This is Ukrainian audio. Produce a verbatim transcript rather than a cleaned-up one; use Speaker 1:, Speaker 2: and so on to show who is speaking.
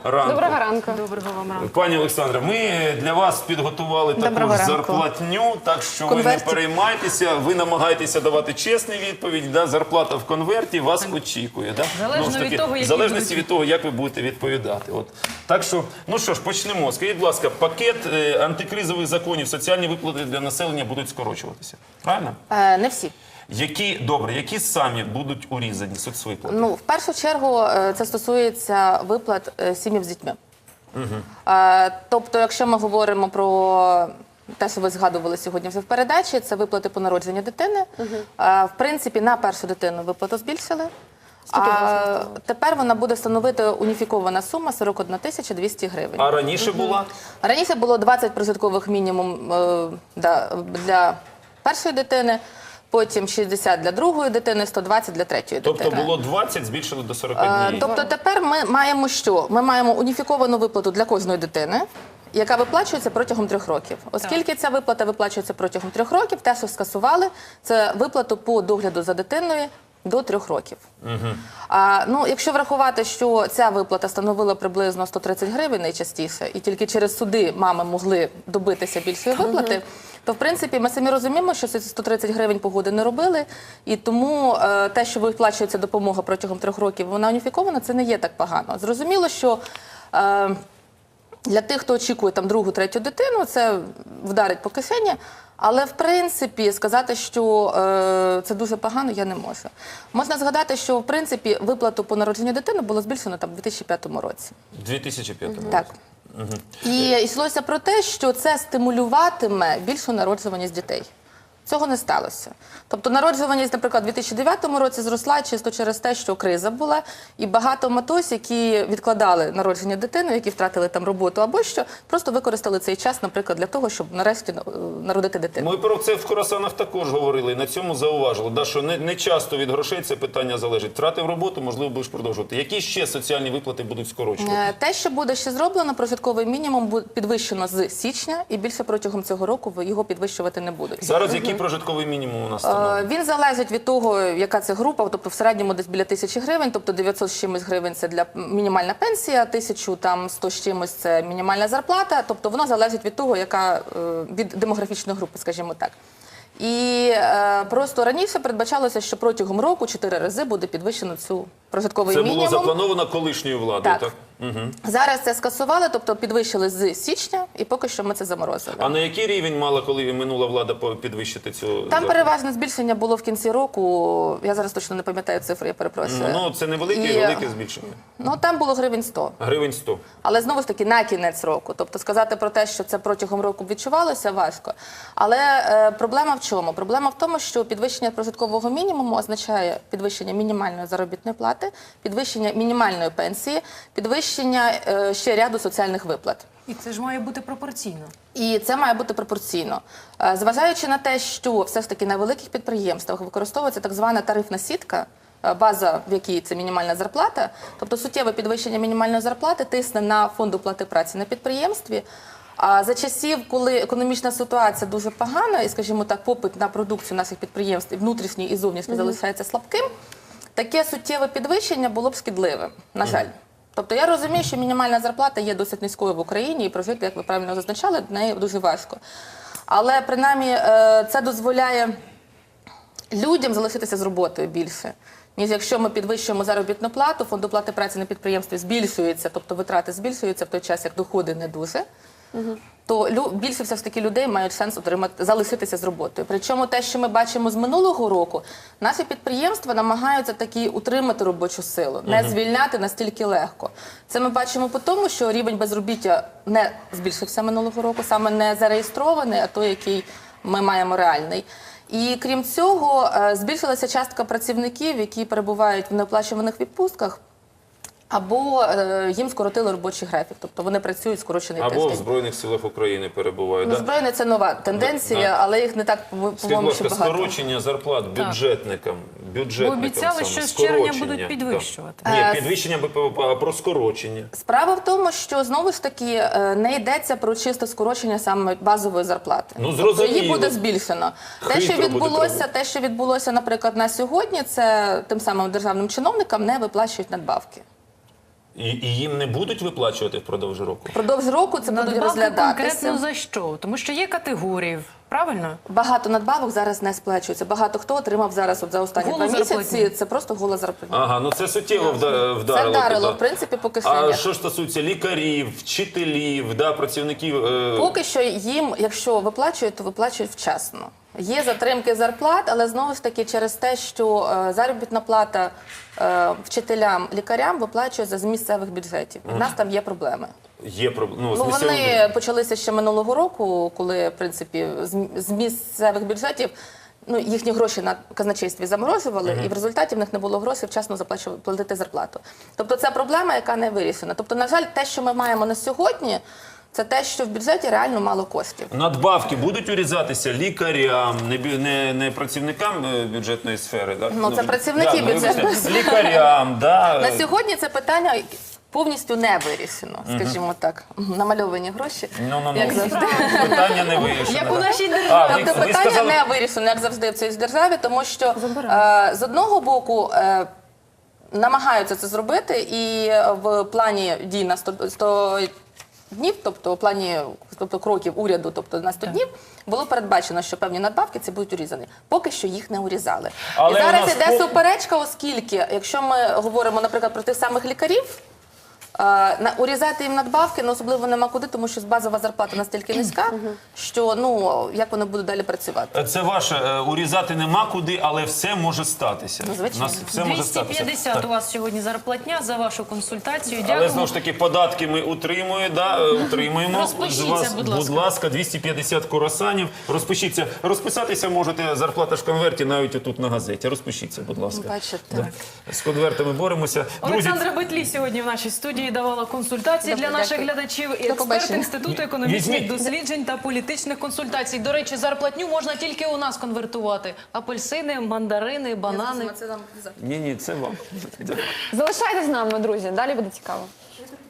Speaker 1: ранку.
Speaker 2: Доброго ранку.
Speaker 3: Доброго вам ранку.
Speaker 1: Пані Олександре, ми для вас підготували
Speaker 2: Доброго
Speaker 1: таку
Speaker 2: ранку.
Speaker 1: зарплатню, так що
Speaker 2: Конверті.
Speaker 1: ви не переймайтеся, ви намагаєтеся давати чесні відповіді, да? Зарплата в конверті вас очікує. Да?
Speaker 3: Залежно
Speaker 1: Ну, ж таки,
Speaker 3: від того,
Speaker 1: в
Speaker 3: які
Speaker 1: залежності
Speaker 3: будуть.
Speaker 1: від того, як ви будете відповідати. От. Так що, ну що ж, почнемо. Скажіть, будь ласка, пакет е, антикризових законів, соціальні виплати для населення будуть скорочуватися. Правильно?
Speaker 2: Е, не всі.
Speaker 1: Які, добре, які самі будуть урізані соцвиплати?
Speaker 2: Ну, в першу чергу, е, це стосується виплат е, сім'ям з дітьми. Е, тобто, якщо ми говоримо про те, що ви згадували сьогодні вже в передачі, це виплати по народженню дитини. Е, в принципі, на першу дитину виплату збільшили. А тепер вона буде становити уніфікована сума сорок одна тисяча двісті гривень.
Speaker 1: А раніше була?
Speaker 2: Раніше було двадцять прожиткових мінімум е, да, для першої дитини, потім шістдесят для другої дитини, сто двадцять для третьої
Speaker 1: Тобто
Speaker 2: дитини.
Speaker 1: було двадцять, збільшили до сорока
Speaker 2: Е,
Speaker 1: днів.
Speaker 2: Тобто тепер ми маємо що? Ми маємо уніфіковану виплату для кожної дитини, яка виплачується протягом трьох років. Оскільки ця виплата виплачується протягом трьох років, те, що скасували, це виплату по догляду за дитиною до трьох років. Угу. А, ну, якщо врахувати, що ця виплата становила приблизно сто тридцять гривень найчастіше, і тільки через суди мами могли добитися більшої виплати, угу. то, в принципі, ми самі розуміємо, що ці сто тридцять гривень погоди не робили, і тому е, те, що виплачується допомога протягом трьох років, вона уніфікована, це не є так погано. Зрозуміло, що е, для тих, хто очікує там другу, третю дитину, це вдарить по кишені. Але, в принципі, сказати, що е, це дуже погано, я не можу. Можна згадати, що, в принципі, виплату по народженню дитини було збільшено там, у дві тисячі п'ятому році.
Speaker 1: У дві тисячі п'ятому
Speaker 2: Так.
Speaker 1: Угу.
Speaker 2: І йшлося про те, що це стимулюватиме більшу народжуваність дітей. Цього не сталося. Тобто народжуваність, наприклад, у дві тисячі дев'ятому році зросла чисто через те, що криза була, і багато матусь, які відкладали народження дитини, які втратили там роботу або що, просто використали цей час, наприклад, для того, щоб нарешті народити дитину.
Speaker 1: Ми про це в Хорасанах також говорили, і на цьому зауважили, да, що не, не часто від грошей це питання залежить. Втратив роботу, можливо, будеш продовжувати. Які ще соціальні виплати будуть скорочувати?
Speaker 2: Е, Те, що буде ще зроблено, прожитковий мінімум буде підвищено з січня, і більше протягом цього року його підвищувати не будуть.
Speaker 1: Зараз який прожитковий мінімум у нас
Speaker 2: Е,
Speaker 1: встановлений?
Speaker 2: Він залежить від того, яка це група, тобто в середньому десь біля тисячі гривень, тобто дев'ятсот з чимось гривень це для мінімальна пенсія, тисячу там сто з чимось це мінімальна зарплата, тобто воно залежить від того, яка е, від демографічної групи, скажімо так. І е, просто раніше передбачалося, що протягом року чотири рази буде підвищено цю прожитковий
Speaker 1: Це
Speaker 2: мінімум.
Speaker 1: було заплановано колишньою владою, так?
Speaker 2: Так.
Speaker 1: Угу.
Speaker 2: Зараз це скасували, тобто підвищили з січня, і поки що ми це заморозили.
Speaker 1: А на який рівень мала, коли минула влада, по- підвищити цю
Speaker 2: Там
Speaker 1: зарплату?
Speaker 2: переважне збільшення було в кінці року, я зараз точно не пам'ятаю цифри, я перепрошую.
Speaker 1: Ну, це невелике,
Speaker 2: І,
Speaker 1: велике збільшення.
Speaker 2: Ну, там було гривень сто.
Speaker 1: Гривень сто.
Speaker 2: Але знову ж таки на кінець року. Тобто сказати про те, що це протягом року відчувалося, важко. Але е, проблема в чому? Проблема в тому, що підвищення прожиткового мінімуму означає підвищення мінімальної заробітної плати, підвищення мінімальної пенсії, підвищення е, ще ряду соціальних виплат.
Speaker 3: І це ж має бути пропорційно.
Speaker 2: І це має бути пропорційно. Е, Зважаючи на те, що все ж таки на великих підприємствах використовується так звана тарифна сітка, е, база, в якій це мінімальна зарплата, тобто суттєве підвищення мінімальної зарплати тисне на фонд оплати праці на підприємстві. А за часів, коли економічна ситуація дуже погана, і, скажімо так, попит на продукцію наших підприємств і внутрішній, і зовнішній mm-hmm. залишається слабким, таке суттєве підвищення було б шкідливим, на жаль. Mm-hmm. Тобто я розумію, що мінімальна зарплата є досить низькою в Україні, і прожити, як ви правильно зазначали, до неї дуже важко. Але, принаймні, це дозволяє людям залишитися з роботою більше. Ніж якщо ми підвищуємо заробітну плату, фонд оплати праці на підприємстві збільшується, тобто витрати збільшуються в той час, як доходи не дуже, угу. то лю, більше все ж таки людей мають шанс отримати, залишитися з роботою. Причому те, що ми бачимо з минулого року, наші підприємства намагаються таки утримати робочу силу, не угу. звільняти настільки легко. Це ми бачимо по тому, що рівень безробіття не збільшився минулого року, саме не зареєстрований, а той, який ми маємо реальний. І крім цього, збільшилася частка працівників, які перебувають в неоплачуваних відпустках, або е, їм скоротили робочий графік, тобто вони працюють скорочений
Speaker 1: Або
Speaker 2: тиждень.
Speaker 1: в Збройних силах України перебувають.
Speaker 2: Ну,
Speaker 1: да?
Speaker 2: Збройне – це нова тенденція,
Speaker 1: Да.
Speaker 2: але їх не так,
Speaker 1: Скажіть,
Speaker 2: по-моєму,
Speaker 1: будь
Speaker 2: ще
Speaker 1: ласка,
Speaker 2: багато.
Speaker 1: скорочення зарплат бюджетникам, бюджетникам
Speaker 3: Бо обіцяли,
Speaker 1: саме,
Speaker 3: що з червня
Speaker 1: скорочення,
Speaker 3: будуть підвищувати.
Speaker 1: Да.
Speaker 2: Е,
Speaker 1: Ні, підвищення, а про скорочення.
Speaker 2: Справа в тому, що, знову ж таки, е, не йдеться про чисте скорочення саме базової зарплати.
Speaker 1: Ну,
Speaker 2: Тобто
Speaker 1: зрозуміло.
Speaker 2: її буде збільшено. Те, що
Speaker 1: Хитро буде
Speaker 2: відбулося,
Speaker 1: треба.
Speaker 2: те, що відбулося, наприклад, на сьогодні, це тим самим державним чиновникам не виплачують надбавки.
Speaker 1: І, і їм не будуть виплачувати впродовж року?
Speaker 2: Впродовж року це будуть
Speaker 3: Надбавки
Speaker 2: розглядатися.
Speaker 3: конкретно за що? Тому що є категорії, правильно?
Speaker 2: Багато надбавок зараз не сплачується. Багато хто отримав зараз от за останні
Speaker 3: Голу
Speaker 2: два місяці.
Speaker 3: зарплатню.
Speaker 2: Це просто гола зарплатня.
Speaker 1: Ага, ну це суттєво вда-
Speaker 2: Це
Speaker 1: вдарило.
Speaker 2: вдарило,
Speaker 1: туди.
Speaker 2: в принципі, по
Speaker 1: А
Speaker 2: кишенях.
Speaker 1: що ж стосується лікарів, вчителів, да, працівників? Е...
Speaker 2: Поки що їм, якщо виплачують, то виплачують вчасно. Є затримки зарплат, але знову ж таки через те, що е, заробітна плата е, вчителям, лікарям виплачується з місцевих бюджетів. У нас там є проблеми.
Speaker 1: Є проблеми. Ну, з
Speaker 2: Ну,
Speaker 1: місцевим
Speaker 2: вони почалися ще минулого року, коли, в принципі, з, з місцевих бюджетів ну, їхні гроші на казначействі заморожували, і в результаті в них не було грошей вчасно заплачувати платити зарплату. Тобто це проблема, яка не вирішена. Тобто, на жаль, те, що ми маємо на сьогодні, це те, що в бюджеті реально мало коштів.
Speaker 1: Надбавки будуть урізатися лікарям, не, бю- не, не працівникам е, бюджетної сфери. Да?
Speaker 2: Ну, це працівники
Speaker 1: да, ну,
Speaker 2: бюджетної
Speaker 1: вибачте, лікарям, да.
Speaker 2: На сьогодні це питання повністю не вирішено, скажімо так. Намальовані гроші,
Speaker 1: Ну, ну, ну.
Speaker 2: як завжди.
Speaker 1: Питання не вирішено.
Speaker 3: Як у
Speaker 1: да.
Speaker 3: нашій державі.
Speaker 1: А, ви,
Speaker 2: Тобто
Speaker 1: ви
Speaker 2: питання
Speaker 1: сказали,
Speaker 2: не вирішено, як завжди в цій державі, тому що е, з одного боку е, намагаються це зробити, і в плані дій на сто, сто днів, тобто в плані тобто, кроків уряду, тобто на сто днів, було передбачено, що певні надбавки це будуть урізані. Поки що їх не урізали.
Speaker 1: Але
Speaker 2: і
Speaker 1: у
Speaker 2: зараз
Speaker 1: нас
Speaker 2: іде
Speaker 1: по-
Speaker 2: суперечка, оскільки, якщо ми говоримо, наприклад, про тих самих лікарів, Е, на- урізати їм надбавки, ну, особливо нема куди, тому що базова зарплата настільки низька, що ну як вони будуть далі працювати.
Speaker 1: це ваше, е, урізати нема куди, але все може статися.
Speaker 2: Ну, звичайно.
Speaker 1: У нас все може
Speaker 3: двісті
Speaker 1: статися.
Speaker 3: п'ятдесят
Speaker 1: Так.
Speaker 3: у вас сьогодні зарплатня за вашу консультацію.
Speaker 1: Але
Speaker 3: Дякую.
Speaker 1: знову ж таки, податки ми утримуємо, да, е, утримуємо.
Speaker 3: Розпишіться,
Speaker 1: З вас,
Speaker 3: будь ласка.
Speaker 1: будь ласка, двісті п'ятдесят курасанів. Розпишіться. Розписатися можете, зарплата ж в конверті навіть отут на газеті. Розпишіться, будь ласка.
Speaker 2: Бачите.
Speaker 1: Да. З конвертами боремося. Друзі,
Speaker 3: Олександра Бетлі сьогодні в нашій студії давала консультації
Speaker 2: Добре,
Speaker 3: для наших
Speaker 2: дякую.
Speaker 3: глядачів.
Speaker 2: До
Speaker 3: Експерт
Speaker 2: побачення.
Speaker 3: Інституту економічних
Speaker 1: Візьміть.
Speaker 3: досліджень та політичних консультацій. До речі, зарплатню можна тільки у нас конвертувати. Апельсини, мандарини, банани.
Speaker 2: Це нам
Speaker 1: ні, ні, це вам.
Speaker 4: Залишайтесь з нами, друзі. Далі буде цікаво.